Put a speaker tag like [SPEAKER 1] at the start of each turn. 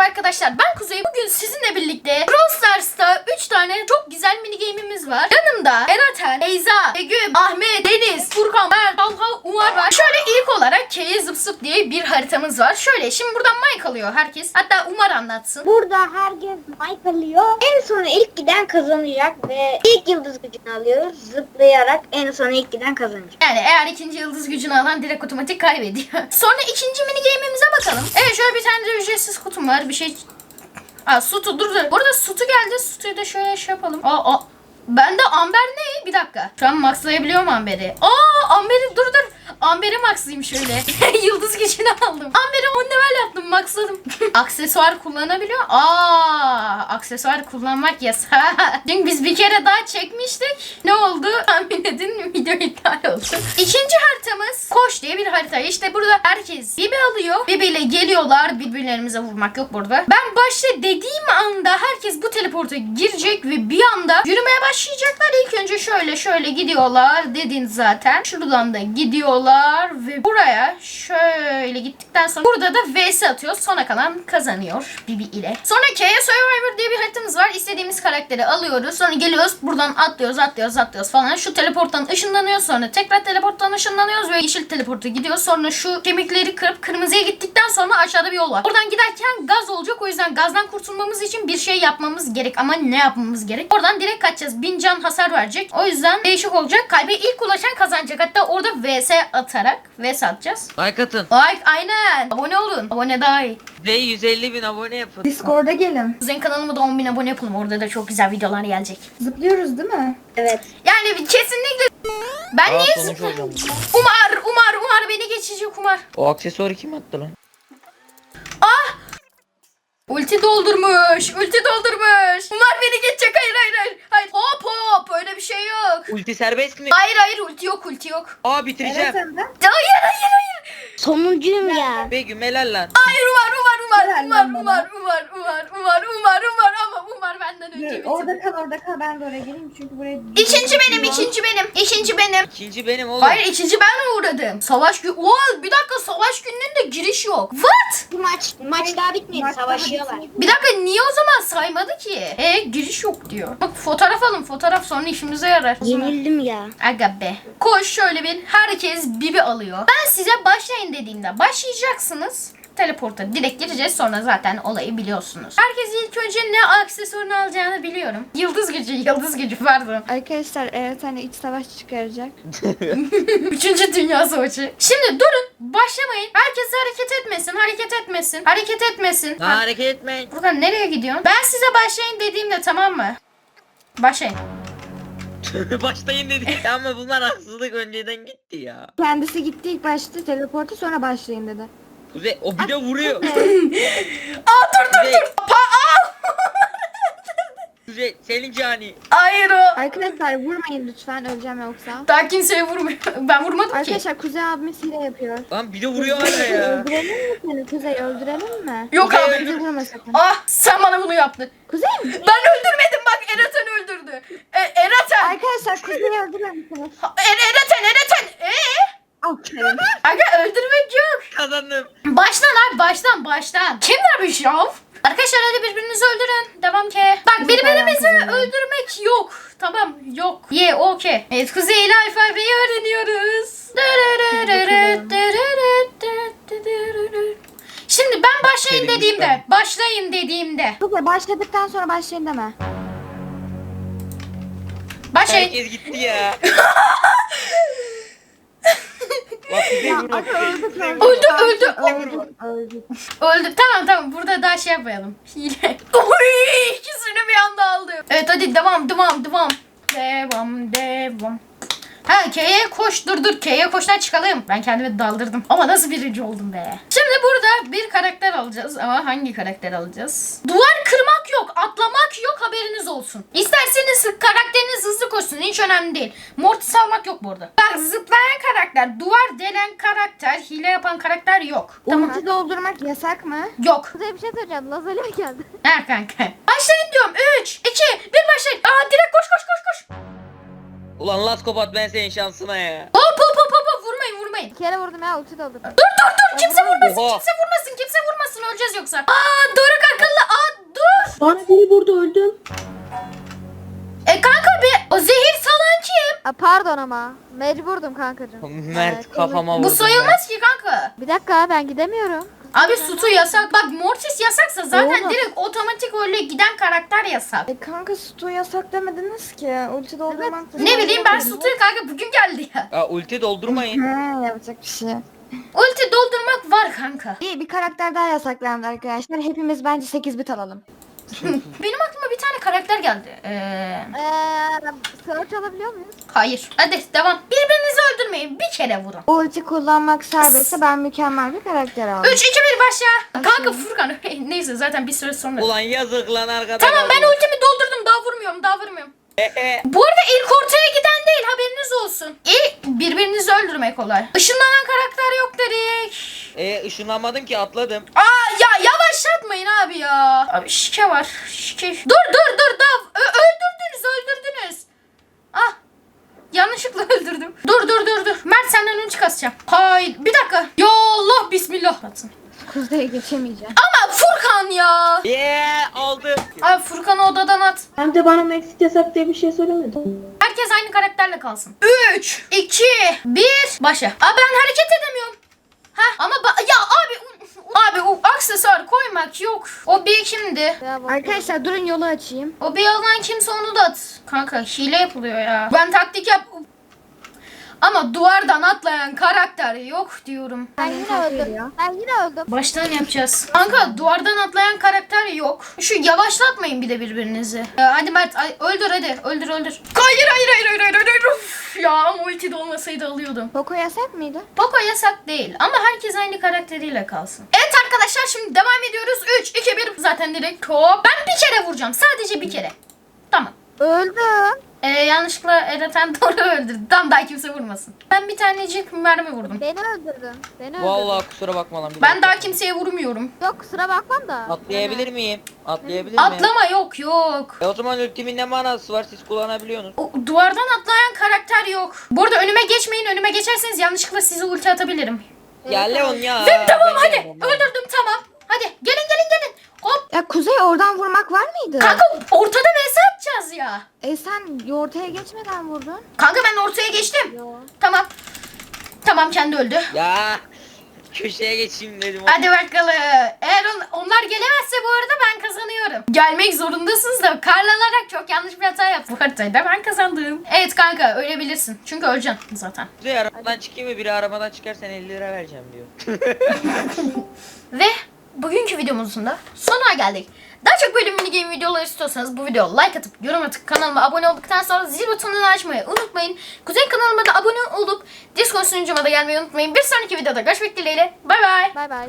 [SPEAKER 1] arkadaşlar, ben Kuzey. Bugün sizinle birlikte Brawl Stars'ta 3 tane çok güzel mini game'imiz var. Yanımda Eraten, Beyza, Begüm, Ahmet, Deniz, Furkan, Mert, Talha, Umar var. Şöyle ilk olarak K'ye zıp zıp diye bir haritamız var. Şöyle şimdi buradan mic alıyor herkes. Hatta Umar anlatsın.
[SPEAKER 2] Burada herkes mic alıyor. En sona ilk giden kazanacak ve ilk yıldız gücünü alıyoruz. Zıplayarak en sona ilk giden kazanacak.
[SPEAKER 1] Yani eğer ikinci yıldız gücünü alan direkt otomatik kaybediyor. Sonra ikinci mini game'imize bakalım. Evet, şöyle bir tane de ücretsiz kutum var. Bir şey... Aa, Sutu dur. Burada Sutu geldi. Sutu'yu da şöyle şey yapalım. Bende Amber ne? Bir dakika. Şu an maxlayabiliyorum Amber'i. Amber'i dur. Amber'i maxlayayım şöyle. Yıldız gücünü aldım. Amber'i 10 level yaptım. Maxladım. Aksesuar kullanabiliyor. Aksesuar kullanmak yasak. Çünkü biz bir kere daha çekmiştik. Ne oldu? Tahmin edin, video iptal oldu. İkinci haritamız Koş diye bir harita. İşte burada herkes Bibi alıyor. Bibi ile geliyorlar. Birbirlerimize vurmak yok burada. Ben başta dediğim anda herkes bu teleporta girecek ve bir anda yürümeye başlayacaklar. İlk önce şöyle gidiyorlar dedin zaten. Şuradan da gidiyorlar ve buraya şöyle gittikten sonra burada da vs atıyor. Sona kalan kazanıyor Bibi ile. Sonra K'ye Survivor diye bir haritamız var. İstediğimiz karakteri alıyoruz. Sonra geliyoruz buradan atlıyoruz falan. Şu teleporttan ışınlanıyoruz. Sonra tekrar teleporttan ışınlanıyoruz ve yeşil teleporta gidiyoruz. Sonra şu kemikleri kırıp kırmızıya gittikten sonra aşağıda bir yol var. Buradan giderken gaz olacak. O yüzden gazdan kurtulmamız için bir şey yapmamız gerek. Ama ne yapmamız gerek? Oradan direkt kaçacağız. 1000 can hasar verecek. O yüzden değişik olacak. Kalbe ilk ulaşan kazanacak. Hatta orada vs atarak vs atacağız.
[SPEAKER 3] Like atın.
[SPEAKER 1] Like aynen. Abone olun. Abone daha iyi.
[SPEAKER 3] Ve 150 bin abone yapın.
[SPEAKER 4] Discord'a gelin.
[SPEAKER 1] Kuzeyin kanalıma da 10.000 abone yapalım. Orada da çok güzel videolar gelecek.
[SPEAKER 4] Zıplıyoruz değil mi?
[SPEAKER 2] Evet.
[SPEAKER 1] Yani kesinlikle. Ben niye
[SPEAKER 3] sonuç olacağım.
[SPEAKER 1] Umar beni geçecek Umar.
[SPEAKER 3] O aksesuarı kim attı lan?
[SPEAKER 1] Ulti doldurmuş. Umar beni geçecek. Hayır. Hop. Öyle bir şey yok.
[SPEAKER 3] Ulti serbest mi?
[SPEAKER 1] Hayır. Ulti yok.
[SPEAKER 3] Bitireceğim.
[SPEAKER 4] Evet hem de.
[SPEAKER 1] Hayır.
[SPEAKER 2] Sonuncuyum ya.
[SPEAKER 3] Begüm helal lan.
[SPEAKER 1] Hayır Umar.
[SPEAKER 4] Helal bana.
[SPEAKER 1] Ama Umar benden önce bitirdi.
[SPEAKER 4] Orada kal ben de oraya geleyim çünkü buraya...
[SPEAKER 1] İkinci benim.
[SPEAKER 3] İkinci benim oğlum.
[SPEAKER 1] Hayır, ikinci ben uğradım. Savaş günü. Bir dakika, savaş gününün de giriş yok. What?
[SPEAKER 2] Bu maç daha bitmedi.
[SPEAKER 4] Maç daha
[SPEAKER 2] Savaşıyorlar.
[SPEAKER 1] Bir dakika, niye o zaman saymadı ki? Giriş yok diyor. Bak fotoğraf alın, fotoğraf sonra işimize yarar.
[SPEAKER 2] Yenildim ya.
[SPEAKER 1] Aga be. Koş şöyle bir, herkes Bibi alıyor. Ben size başlayın dediğimde başlayacaksınız. Teleporta direkt gireceğiz, sonra zaten olayı biliyorsunuz. Herkes ilk önce ne aksesuarını alacağını biliyorum. Yıldız gücü pardon.
[SPEAKER 4] Arkadaşlar evet hani iç savaş çıkaracak.
[SPEAKER 1] 3. Dünya Savaşı. Şimdi durun, başlamayın. Herkes hareket etmesin.
[SPEAKER 3] Hareket etmeyin.
[SPEAKER 1] Buradan nereye gidiyorsun? Ben size başlayın dediğimde tamam mı? Başlayın.
[SPEAKER 3] Başlayın dedik ama bunlar haksızlık önceden gitti ya.
[SPEAKER 4] Kendisi gitti ilk başta teleportu sonra başlayın dedi.
[SPEAKER 3] Kuzey o bir de vuruyor.
[SPEAKER 1] Dur.
[SPEAKER 3] Kuzey,
[SPEAKER 1] Aa!
[SPEAKER 3] Kuzey senin cani.
[SPEAKER 1] Hayır o.
[SPEAKER 4] Arkadaşlar vurmayın lütfen öleceğim yoksa.
[SPEAKER 1] Daha kimseye vurmuyor. Ben vurmadım ki.
[SPEAKER 4] Arkadaşlar Kuzey abimiz hile yapıyor.
[SPEAKER 3] Lan bir de vuruyor hala ya.
[SPEAKER 4] Öldürelim mi seni Kuzey öldürelim mi?
[SPEAKER 1] Yok
[SPEAKER 3] Kuzey
[SPEAKER 1] abi.
[SPEAKER 4] Kuzey vurma sakın.
[SPEAKER 1] Sen bana bunu yaptın.
[SPEAKER 4] Kuzey mi?
[SPEAKER 1] Ben öldürmedim, bak Eraten öldürdü. Eraten.
[SPEAKER 4] Arkadaşlar Kuzey'i öldürür müsünüz?
[SPEAKER 1] Eraten.
[SPEAKER 4] Aferin.
[SPEAKER 1] Aga öldürmek yok.
[SPEAKER 3] Kazandım.
[SPEAKER 1] Baştan abi, baştan. Kim vermiş ya? Arkadaşlar hadi birbirinizi öldürün. Devam ki. Bak birbirimizi öldürmek yok. Tamam yok. Okey. Evet, Kuzey ile alfabeyi öğreniyoruz. Şimdi ben başlayın dediğimde.
[SPEAKER 4] Kuzey başladıktan sonra başlayın deme.
[SPEAKER 1] Başlayın.
[SPEAKER 3] Herkes gitti ya. Bak Kuzey vurma.
[SPEAKER 4] Öldük.
[SPEAKER 1] Öldü. Tamam. Burada daha şey yapmayalım. Hile. Oy, ikisini bir anda aldım. Evet hadi devam. Devam. K'ye koş. Dur. K'ye koştan çıkalım. Ben kendimi daldırdım. Ama nasıl birinci oldum be. Şimdi burada bir karakter alacağız. Ama hangi karakter alacağız? Duvar kırmak yok. Atlamak yok. Haberiniz olsun. İsterseniz karakteriniz hızlı koşsun. Hiç önemli değil. Mortis almak yok burada. Bak, zıplayan karakter, duvar delen karakter, hile yapan karakter yok. Tamam.
[SPEAKER 4] Ulti doldurmak yasak mı?
[SPEAKER 1] Yok.
[SPEAKER 4] Kuzey bir şey söyleyeceğim. Lazer'e mi geldi?
[SPEAKER 1] Ha kanka. Başlayın diyorum. 3, 2, 1 başlayın. Direkt koş.
[SPEAKER 3] Ulan Laskopat ben senin şansına ya.
[SPEAKER 1] Hop. Vurmayın.
[SPEAKER 4] Bir kere vurdum ya ulti doldurdum.
[SPEAKER 1] Dur. Kimse vurmasın.
[SPEAKER 3] Oha.
[SPEAKER 1] Kimse vurmasın. altına öleceğiz yoksa. Aa Doruk akıllı. Aa dur.
[SPEAKER 5] Bana biri burada öldüm.
[SPEAKER 1] Kanka o zehir salan kim?
[SPEAKER 4] Pardon ama. Mecburdum kankacığım.
[SPEAKER 3] Mert
[SPEAKER 4] Evet,
[SPEAKER 3] kafama vurdu.
[SPEAKER 1] Bu sayılmaz ki kanka.
[SPEAKER 4] Bir dakika ben gidemiyorum.
[SPEAKER 1] Abi Sutu yasak. Bak Mortis yasaksa zaten
[SPEAKER 4] Oğlum.
[SPEAKER 1] direkt otomatik öyle giden karakter yasak.
[SPEAKER 6] Kanka Stu yasak demediniz ki. Ulti doldurmak
[SPEAKER 1] Ne bileyim ben Sutu'yu kanka bugün geldi ya.
[SPEAKER 3] Ya ulti doldurmayın.
[SPEAKER 6] Yapacak bir şey.
[SPEAKER 1] Ulti doldurmak var kanka.
[SPEAKER 6] İyi bir karakter daha yasaklandı arkadaşlar. Hepimiz bence 8 bit alalım.
[SPEAKER 1] Benim aklıma bir tane karakter geldi.
[SPEAKER 4] Search alabiliyor muyuz?
[SPEAKER 1] Hayır. Hadi devam. Birbirinizi öldürmeyin. Bir kere vurun.
[SPEAKER 6] Ulti kullanmak serbestse ben mükemmel bir karakter aldım.
[SPEAKER 1] 3, 2, 1 başla. Kanka Furkan. Neyse zaten bir süre sonra.
[SPEAKER 3] Ulan yazık lan arkadaş.
[SPEAKER 1] Tamam ben ultimi doldurdum. Daha vurmuyorum. Bu arada ilk ortaya giden değil haberiniz olsun. Birbirinizi öldürmek kolay. Işınlanan karakter yok dedik.
[SPEAKER 3] Işınlanmadım ki atladım.
[SPEAKER 1] Aa ya yavaşlatmayın abi ya. Abi şike var. Şike. Dur daha öldürdünüz. Ah. Yanlışlıkla öldürdüm. Dur. Mert senden önce kasacağım. Hayır bir dakika. Ya Allah bismillah. Batsın.
[SPEAKER 6] Kuzeye geçemeyeceğim.
[SPEAKER 1] Ama Furkan ya.
[SPEAKER 3] Aldı.
[SPEAKER 1] Abi Furkan'ı odadan at.
[SPEAKER 5] Hem de bana Maxit yasak diye bir şey söylemedin.
[SPEAKER 1] Herkes aynı karakterle kalsın. 3, 2, 1 başla. Aa ben hareket edemiyorum. Ama ya abi o aksesuar koymak yok. O bir kimdi?
[SPEAKER 4] Ya bak.
[SPEAKER 6] Arkadaşlar durun yolu açayım.
[SPEAKER 1] O bir alan kimse onu da at. Kanka hile yapılıyor ya. Ben taktik yap. Ama duvardan atlayan karakter yok diyorum.
[SPEAKER 4] Ben yine öldüm. Ben yine öldüm.
[SPEAKER 1] Baştan yapacağız. Kanka duvardan atlayan karakter yok. Şu yavaşlatmayın bir de birbirinizi. Hadi Mert öldür hadi. Öldür. Hayır. Uf, ya ama ulti de olmasaydı alıyordum.
[SPEAKER 6] Poco yasak mıydı?
[SPEAKER 1] Poco yasak değil ama herkes aynı karakteriyle kalsın. Evet arkadaşlar şimdi devam ediyoruz. 3, 2, 1 zaten direkt hop. Ben bir kere vuracağım. Sadece bir kere. Tamam.
[SPEAKER 4] Öldüm.
[SPEAKER 1] Yanlışlıkla Eratan doğru öldürdü. Tam daha kimse vurmasın. Ben bir tanecik mermi vurdum.
[SPEAKER 4] Beni öldürdün.
[SPEAKER 3] Vallahi kusura bakma lan.
[SPEAKER 1] Ben daha kimseye vurmuyorum.
[SPEAKER 4] Yok kusura bakmam da.
[SPEAKER 3] Atlayabilir miyim? Atlayabilir miyim?
[SPEAKER 1] Atlama yok.
[SPEAKER 3] O zaman ultimin ne manası var, siz kullanabiliyorsunuz.
[SPEAKER 1] O, duvardan atlayan karakter yok. Bu arada önüme geçmeyin. Önüme geçerseniz yanlışlıkla size ulti atabilirim.
[SPEAKER 3] Ya Leon ya.
[SPEAKER 1] Tamam
[SPEAKER 3] ben
[SPEAKER 1] hadi.
[SPEAKER 3] Leon'um ya.
[SPEAKER 1] Öldürdüm tamam. Hadi gelin. Hop.
[SPEAKER 6] Ya Kuzey oradan vurmak var mıydı?
[SPEAKER 1] Kanka ortada vs atacağız ya.
[SPEAKER 6] Sen ortaya geçmeden vurdun.
[SPEAKER 1] Kanka ben ortaya geçtim.
[SPEAKER 4] Yo.
[SPEAKER 1] Tamam kendi öldü.
[SPEAKER 3] Ya köşeye geçeyim dedim.
[SPEAKER 1] Hadi bakalım. Eğer onlar gelemezse bu arada ben kazanıyorum. Gelmek zorundasınız da karlanarak çok yanlış bir hata yaptım. Bu haritayı da ben kazandım. Evet kanka ölebilirsin. Çünkü öleceksin zaten.
[SPEAKER 3] Kuzey arabadan çıkayım mı? Biri arabadan çıkarsan 50 lira vereceğim diyor.
[SPEAKER 1] Ve bugünkü videomuzun da sonuna geldik. Daha çok böyle mini game videoları istiyorsanız bu videoya like atıp yorum atıp kanalıma abone olduktan sonra zil butonunu açmayı unutmayın. Kuzey kanalıma da abone olup Discord sunucuma da gelmeyi unutmayın. Bir sonraki videoda görüşmek dileğiyle. Bay bay.
[SPEAKER 4] Bay bay.